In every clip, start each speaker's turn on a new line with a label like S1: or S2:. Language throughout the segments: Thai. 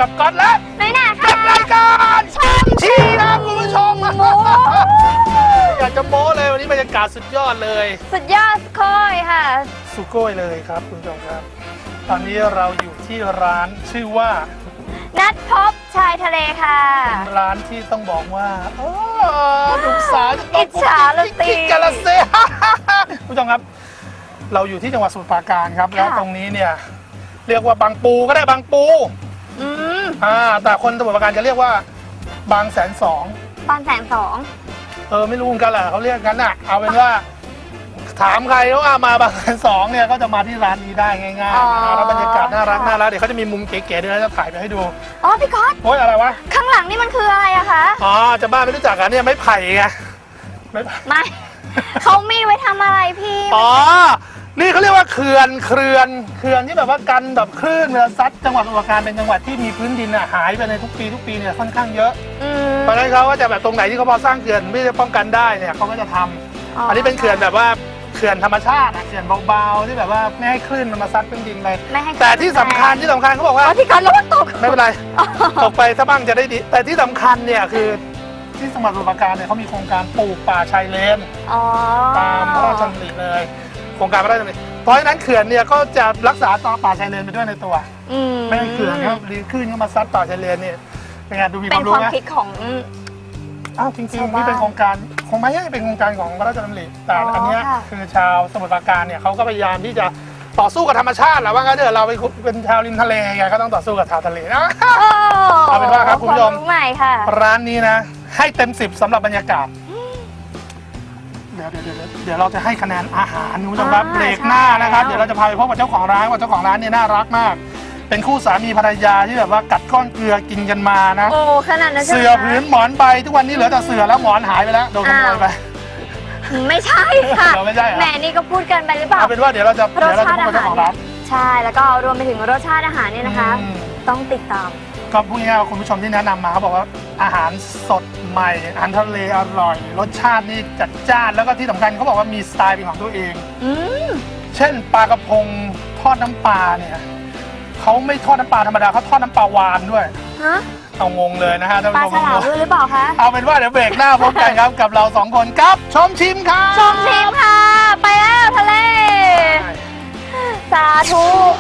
S1: กับก๊อตและ
S2: น้อยหนาค่ะ
S1: กับรายการชมชีครับคุณผู้ชมอยากจะโม้เลยวันนี้บรรยากาศสุดยอดเลย
S2: สุดยอดโค้ยค่ะ
S1: สุโก้ยเลยครับคุณผู้ชมครับตอนนี้เราอยู่ที่ร้านชื่อว่า
S2: นัดพบชายทะเลค่ะ
S1: เป็นร้านที่ต้องบอกว่าลูกสาวจะต้อง
S2: อิจฉาละสิ
S1: กาลเซ่คุณผู้ชมครับเราอยู่ที่จังหวัดสมุทรปราการครับแล้วตรงนี้เนี่ยเรียกว่าบางปูก็ได้บางปูแต่คนสมุทรปราการจะเรียกว่าบางแสนสอง
S2: บางแสนสอง
S1: ไม่รู้กันแหละเขาเรียกกันน่ะเอาเป็นว่าถามใครว่ามาบางแสนสองเนี่ยก็จะมาที่ร้านนี้ได้ง่ายๆแล้วบรรยากาศน่ารักเดี๋ยวเขาจะมีมุมเก๋ๆด้วยนะจะถ่ายไปให้ดู
S2: พี่ก๊อต
S1: โอ๊ยอะไรวะ
S2: ข้างหลังนี่มันคืออะไรอะคะ
S1: จะบ้าไม่รู้จักกันเนี่ยไม้ไผ่ไง
S2: ไม่เขามีไว้ทำอะไรพี่
S1: นี่เขาเรียกว่าเขื่อนที่แบบว่ากันแบบคลื่นเวลาซัดจังหวัดสมุทรปราการเป็นจังหวัดที่มีพื้นดินหายไปในทุกปีเนี่ยค่อนข้างเยอะเพราะฉะนั้นเขาก็จะแบบตรงไหนที่เขาพอสร้างเขื่อนไม่ได้ป้องกันได้เนี่ยเขาก็จะทำอันนี้เป็นเขื่อนแบบว่าเขื่อนธรรมชาติเขื่อนเบาๆที่แบบว่าไม่ให้คลื่นมันมาซัดพื้นดินเลยแต่ที่สำคัญเขาบอกว่า
S2: ที่การระวังตก
S1: ไม่เป็นไรตกไปถ้าบ้างจะได้ดีแต่ที่สำคัญเนี่ยคือที่จังหวัดสมุทรปราการเนี่ยเขามีโครงการปลูกป่าชายเลนตามพระราชดำริเลยโครงการพระราชดำริเพราะฉะนั้นเขื่อนเนี่ยก็จะรักษาต่อป่าชายเลนไปด้วยในตัวไม่ให้เขื่อนเขารีขึ้นเข้ามาซัดป่าชายเลนเนี่ยเป็นไงดูมีความรู้ไหม
S2: เป็นความคิดของ
S1: จริงๆนี่เป็นโครงการคงไม่ใช่เป็นโครงการของพระราชดำริแต่อันนี้คือชาวสมุทรปราการเนี่ยเขาก็พยายามที่จะต่อสู้กับธรรมชาติแหละว่างั้นเถอะเราเป็นชาวริมทะเลไงก็ต้องต่อสู้กับชาวทะเลนะเอาเป็นว่าครับคุณผู้ชมร้านนี้นะให้เต็ม10สำหรับบรรยากาศเดี๋ยวเราจะให้คะแนนอาหารคุณผู้ชมครับเบรกหน้านะครับเดี๋ยวเราจะพาไปพบกับเจ้าของร้านว่าเจ้าของร้านเนี่ยน่ารักมากเป็นคู่สามีภรรยาที่แบบว่ากัดก้อนเกลือกินกันมานะ
S2: ขนาดนั้น
S1: เสื่อพื้นหมอนใบทุกวันนี้เหลือแต่เสื่อแล้วหมอนหายไปแล้วโดนขโมยไป
S2: ไม่ใช่ค่ะ
S1: ไม่ใช่
S2: แหมนี่ก็พูดกันไปหรือเปล่า
S1: เอาเป็นว่าเดี๋ยวเราจะพบกับเจ้าของร้าน
S2: ใช่แล้วก็รวมไปถึงรสชาติอาหารเนี่ยนะคะต้องติดตาม
S1: ก็พูดง่ายๆว่าคุณผู้ชมที่แนะนำมาเขาบอกว่าอาหารสดใหม่อาหารทะเลอร่อยรสชาตินี่จัดจ้านแล้วก็ที่สำคัญเขาบอกว่ามีสไตล์เป็นของตัวเองเช่นปลากระพงทอดน้ำปลาเนี่ยเขาไม่ทอดน้ำปลาธรรมดาเขาทอดน้ำปลาหวานด้วยเอางงเลยนะฮะท่านผู้ชม
S2: ปลาฉลามด้วยหรือเปล่าคะ
S1: เอาเป็นว่าเดี๋ยวเบรกหน้าพบกันครับกับเรา2คนกับชมชิมค่ะ
S2: ชมชิมค่ะไปแล้วทะเลสาธุ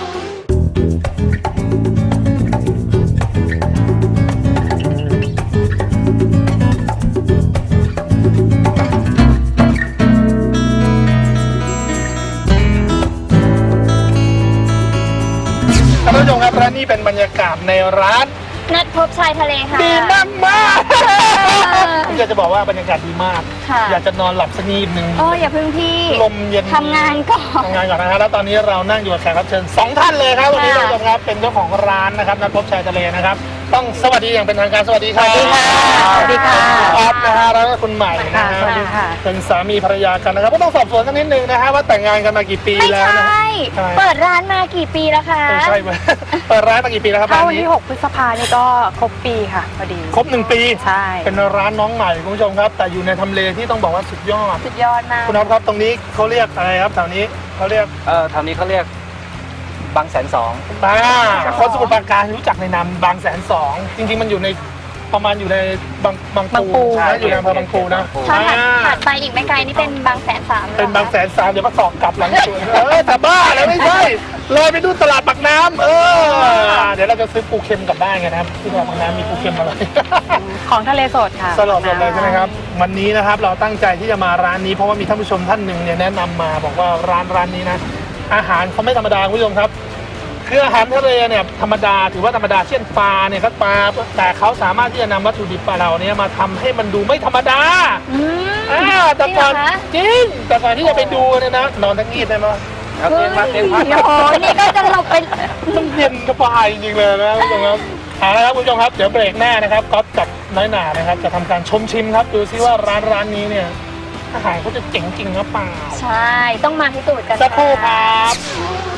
S1: ท่านผู้ชมครับและนี่เป็นบรรยากาศในร้าน
S2: นัดพบชายทะเลค่ะ
S1: ดีมากมากอยากจะบอกว่าบรรยากาศดีมากอยากจะนอนหลับสักนิดนึง
S2: อย่าพึ่งพี่
S1: ลมเย็น
S2: ทำงานก่อน
S1: นะฮะแล้วตอนนี้เรานั่งอยู่กับแขกรับเชิญ2ท่านเลยครับวันนี้เราครับเป็นเจ้าของร้านนะครับนัดพบชายทะเลนะครับต้องสวัสดีอย่างเป็นทางการสวัสดีครับ
S2: สวัสดีค่ะ
S1: ออฟนะฮะแล้วก็คุณใหม่นะฮะเป็นสามีภรรยากันนะครับก็ต้องสอบสวนสักนิดนึงนะฮะว่าแต่งงานกันมากี่ปีแล้วนะ
S2: เปิดร้านมากี่ปีแล้วคะ
S1: ใช่เปิดร้านมากี่ปีแล้วครับ
S3: วันที่6 พฤษภาคมนี่ก็ครบปีค่ะพอดี
S1: ครบ1 ปี
S3: ใช่
S1: เป็นร้านน้องใหม่คุณผู้ชมครับแต่อยู่ในทำเลที่ต้องบอกว่าสุดยอด
S3: มาก
S1: คุณอ๊อฟครับตรงนี้เขาเรียกอะไรครับแถวนี้เขาเรียก
S4: แถวนี้เขาเรียกบางแสนสอง
S1: คนสมุทรปราการรู้จักในนามบางแสนสองจริงๆมันอยู่ในประมาณอยู่ในบางปูอยู่ในอำเภอบางปูนะ
S2: ถัดไปอีกไม่ไกลนี่เป็นบางแสน3
S1: เป็นบางแสน3เดี๋ยวมาสอบกลับหลังสวนแต่บ้าแล้วไม่ใช่เลยไปดูตลาดปากน้ำเดี๋ยวเราจะซื้อปูเค็มกลับบ้านกันนะครับที่ตลาดปากน้ำมีปูเค็มอะไร
S3: ของทะเลสดค่ะ
S1: สดเลยใช่ไหมครับวันนี้นะครับเราตั้งใจที่จะมาร้านนี้เพราะว่ามีท่านผู้ชมท่านหนึ่งเนี่ยแนะนำมาบอกว่าร้านนี้นะอาหารเขาไม่ธรรมดาคุณผู้ชมครับคืออาหารทะเลเนี่ยธรรมดาถือว่าธรรมดาเช่นปลาเนี่ยก็ปลาแต่เขาสามารถที่จะนำวัตถุดิบปลาเราเนี่ยมาทำให้มันดูไม่ธรรมดาแต่ก่อนจริงแต่ก่อนที่จะไปดูเนี่ยนะนอนทั้งงีบได้ไหม
S4: เตียงมา
S2: นี่ก็จะเราเป็น
S1: มันเย็นกระปายจริงๆเลยนะคุณผู้ชมครับเอาละครับคุณผู้ชมครับเดี๋ยวเบรกหน้านะครับก๊อฟกับน้อยหนานะครับจะทำการชมชิมครับดูซิว่าร้านนี้เนี่ยอาหารเขาจะเจ๋งจริงหรือเปล่า
S2: ใช่ต้องมาพิสูจน์กัน
S1: สักครู่ครับ